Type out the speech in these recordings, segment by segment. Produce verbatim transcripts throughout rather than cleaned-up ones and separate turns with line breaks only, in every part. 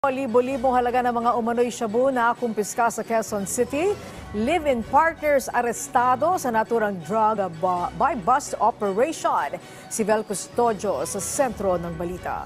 Libo-libong halaga ng mga umano'y shabu na kumpiska sa Quezon City. Live-in partners arestado sa naturang drug by bust operation. Si Vel Custodio sa sentro ng balita.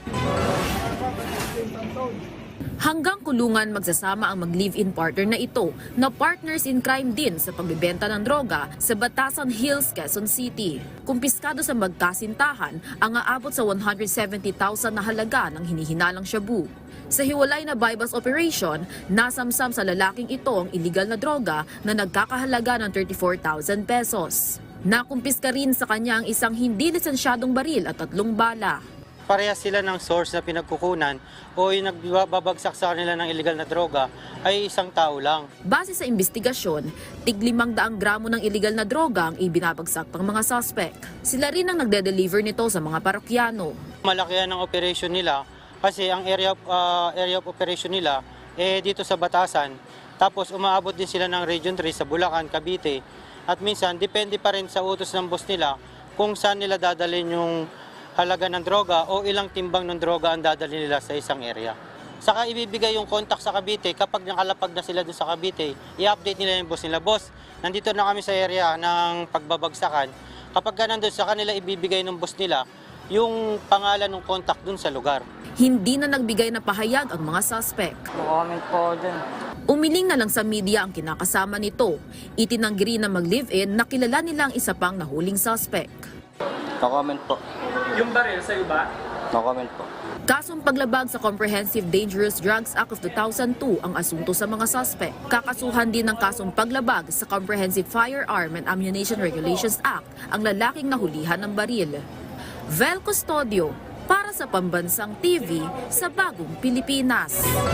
Hanggang kulungan magsasama ang mag-live-in partner na ito na partners in crime din sa pagbebenta ng droga sa Batasan Hills, Quezon City. Kumpiskado sa magkasintahan ang aabot sa one hundred seventy thousand na halaga ng hinihinalang shabu. Sa hiwalay na buy-bust operation, nasamsam sa lalaking ito ang illegal na droga na nagkakahalaga ng thirty-four thousand pesos. Nakumpiska rin sa kanya ang isang hindi lisensyadong baril at tatlong bala.
Parehas sila ng source na pinagkukunan o yung nagbabagsak sa kanila ng illegal na droga ay isang tao lang.
Base sa investigasyon, tig limang daang gramo ng illegal na droga ang ibinabagsak ng mga suspect. Sila rin ang nagde-deliver nito sa mga parokyano.
Malaki yan ang operation nila kasi ang area of, uh, area of operation nila eh dito sa Batasan. Tapos umaabot din sila ng Region three sa Bulacan, Cavite. At minsan depende pa rin sa utos ng boss nila kung saan nila dadalhin yung halaga ng droga o ilang timbang ng droga ang dadalhin nila sa isang area. Saka ibibigay yung contact sa Cavite kapag nakalapag na sila doon sa Cavite, i-update nila yung boss nila. Boss, nandito na kami sa area ng pagbabagsakan. Kapag ka nandun sa kanila, ibibigay ng boss nila yung pangalan ng contact doon sa lugar.
Hindi na nagbigay na pahayag ang mga suspect.
Comment po dyan.
Umiling na lang sa media ang kinakasama nito. Itinanggi rin na mag-live-in na kilala nila ang isa pang nahuling suspect.
No comment po.
Yung baril sa'yo ba?
No comment po.
Kasong paglabag sa Comprehensive Dangerous Drugs Act of two thousand two ang asunto sa mga suspect. Kakasuhan din ng kasong paglabag sa Comprehensive Firearm and Ammunition Regulations Act ang lalaking nahulihan ng baril. Vel Custodio para sa Pambansang T V sa Bagong Pilipinas.